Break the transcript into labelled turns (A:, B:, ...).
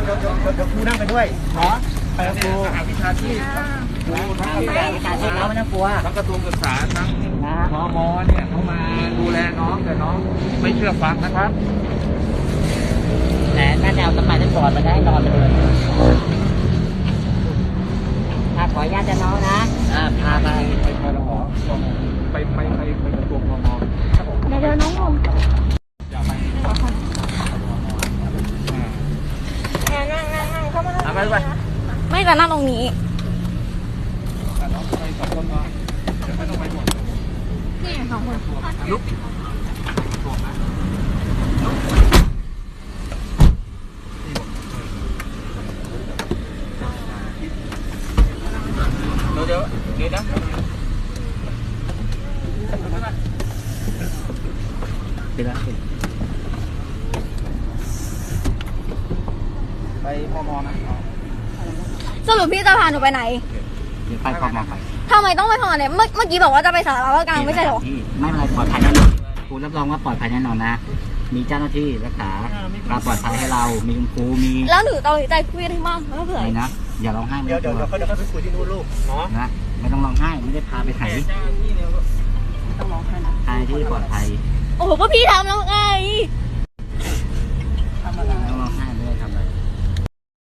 A: ครูนั่งไปด้วยเนาะไปกับครูวิชาชีพครูทั้งวิชาชีพแล้วไม่ต้องกลัวทั้งกระทรวงศึกษาทั้งพมเนี่ยเขามาดูแลน้องแต่น้องไม่เชื่อฟังนะครับแต่น่าจะเอาสมัยนั้นก่อนมาได้นอนเลยขออนุญาตจะน้องนะพาไปพลหไปกระทรวงพมเดี๋ยวน้องงงนั่งเข้ามาไปด้วย
B: ไม่จะนั่งตรงนี้
A: น้องไปสองคนเนาะเดี๋ยวไม่ต้องไปหมด
B: นี่สองคน
A: ลุกเดี๋ยวนะไปแล้วไปพมนะ
B: สรุปพี่จะพาหนูไปไหน
A: เดี๋ยวไปพมไป
B: ทำไมต้องไปพมเนี่ยเมื่อกี้บอกว่าจะไปสาราว่าการไม่ใช่หรอ
A: ไม่เป็นไรปลอดภัยแน่นอนครูรับรองว่าปลอดภัยแน่นอนนะมีเจ้าหน้าที่รักษาความปลอดภัยให้เรามีคุณครูมี
B: แล้วหนูต้องใจคุยได้มากแล้วเผื่อ
A: อะไรนะอย่าร้องไห้เดี๋ยวเขาไปคุยที่นู่นลูกเนาะนะไม่ต้องร้องไห้ไม่ได้พาไปไหน
B: ต้องร้องไห้นะ
A: พาที่ปลอดภัย
B: โอ้โหก็พี่ทำแล้วไง